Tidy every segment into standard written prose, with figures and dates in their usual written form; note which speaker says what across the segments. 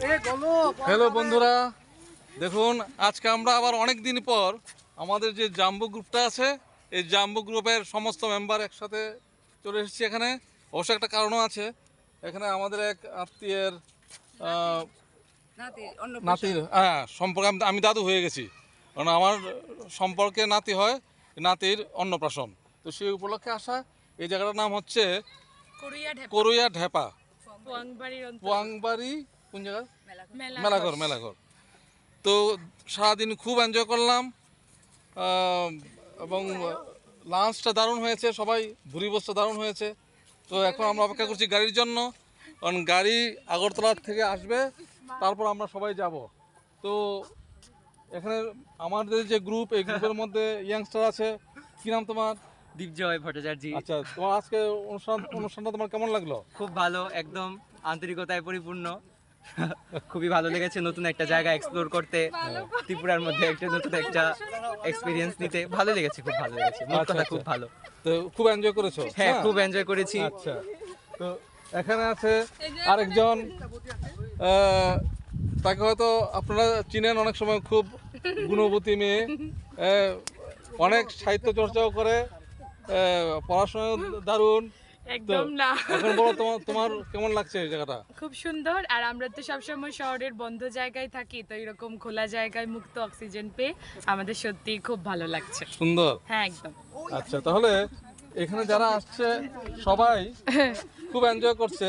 Speaker 1: Hello বন্ধুরা, দেখুন আজকে আমরা আবার অনেক দিন পর আমাদের যে জাম্বো গ্রুপটা আছে, এই জাম্বো গ্রুপের সমস্ত মেম্বার একসাথে চলে এসেছি এখানে। অবশ্য একটা কারণও আছে, এখানে আমাদের এক আত্মীয়ের নাতির সম্পর্কে আমি দাদু হয়ে গেছি, কারণ আমার সম্পর্কে নাতি হয়, নাতির অন্নপ্রাশন। তো সেই উপলক্ষে আসা। এই জায়গাটার নাম হচ্ছে করুইয়া ঢেপা, পোয়াংবাড়ি। কোন জায়গা? মেলাঘর। তো সারাদিন খুব এনজয় করলাম এবং লাঞ্চটা দারুণ হয়েছে, সবাই ভুরিভোজটা দারুণ হয়েছে। তো এখন আমরা অপেক্ষা করছি গাড়ির জন্য, কারণ গাড়ি আগরতলা থেকে আসবে, তারপর আমরা সবাই যাব। তো এখানে আমাদের যে গ্রুপ, এই গ্রুপের মধ্যে ইয়াংস্টার আছে। কি নাম তোমার?
Speaker 2: দীপজয় ভট্টাচার্য।
Speaker 1: আচ্ছা, তোমার আজকে অনুষ্ঠানটা তোমার কেমন লাগলো?
Speaker 2: খুব ভালো, একদম আন্তরিকতায় পরিপূর্ণ। খুবই ভালো লেগেছে নতুন একটা জায়গা এক্সপ্লোর করতে, ত্রিপুরার মধ্যে একটা নতুন একটা এক্সপিরিয়েন্স নিতে ভালো লেগেছে, খুব ভালো লেগেছে। কথা খুব ভালো।
Speaker 1: তো খুব এনজয় করেছো?
Speaker 2: হ্যাঁ, খুব এনজয় করেছি।
Speaker 1: আচ্ছা, তো এখানে আছে আরেকজন, তাকে হয়তো আপনারা চিনেন, অনেক সময় খুব গুণবতী মেয়ে, অনেক সাহিত্য চর্চাও করে, পড়াশোনা দারুণ।
Speaker 3: একদম না।
Speaker 1: এখন বলো, তোমার কেমন লাগছে এই জায়গাটা?
Speaker 3: খুব সুন্দর। আর আমরা তো সবসময় শহরের বন্ধ জায়গায় থাকি, তো এরকম খোলা জায়গায় মুক্ত অক্সিজেন পেয়ে আমাদের সত্যি খুব ভালো লাগছে।
Speaker 1: সুন্দর।
Speaker 3: হ্যাঁ, একদম।
Speaker 1: আচ্ছা, তাহলে এখানে যারা আসছে সবাই খুব এনজয় করছে,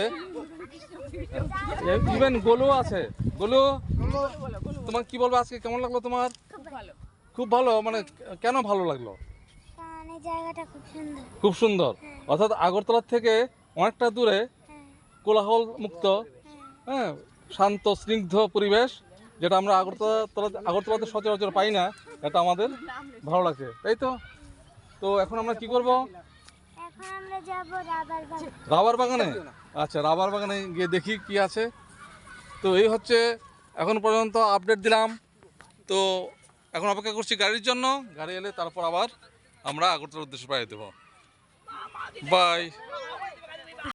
Speaker 1: ইভেন গোলু আছে। গোলু, তোমার কি বলবো, আজকে কেমন লাগলো তোমার? খুব ভালো। মানে কেন ভালো লাগলো?
Speaker 4: জায়গাটা খুব সুন্দর।
Speaker 1: খুব সুন্দর, অর্থাৎ আগরতলা থেকে অনেকটা দূরে, কোলাহল মুক্ত, হ্যাঁ, শান্ত স্নিগ্ধ পরিবেশ, যেটা আমরা আগরতলাতে সচরাচর পাই না। এটা আমাদের ভালো লাগছে, তাই তো? তো এখন আমরা কি করব?
Speaker 4: এখন আমরা যাব
Speaker 1: রাবার বাগানে। আচ্ছা, রাবার বাগানে গিয়ে দেখি কি আছে। তো এই হচ্ছে এখন পর্যন্ত আপডেট দিলাম। তো এখন অপেক্ষা করছি গাড়ির জন্য, গাড়ি এলে তারপর আবার আমরা আগরতলার উদ্দেশ্যে পাঠিয়ে দেবো। বাই।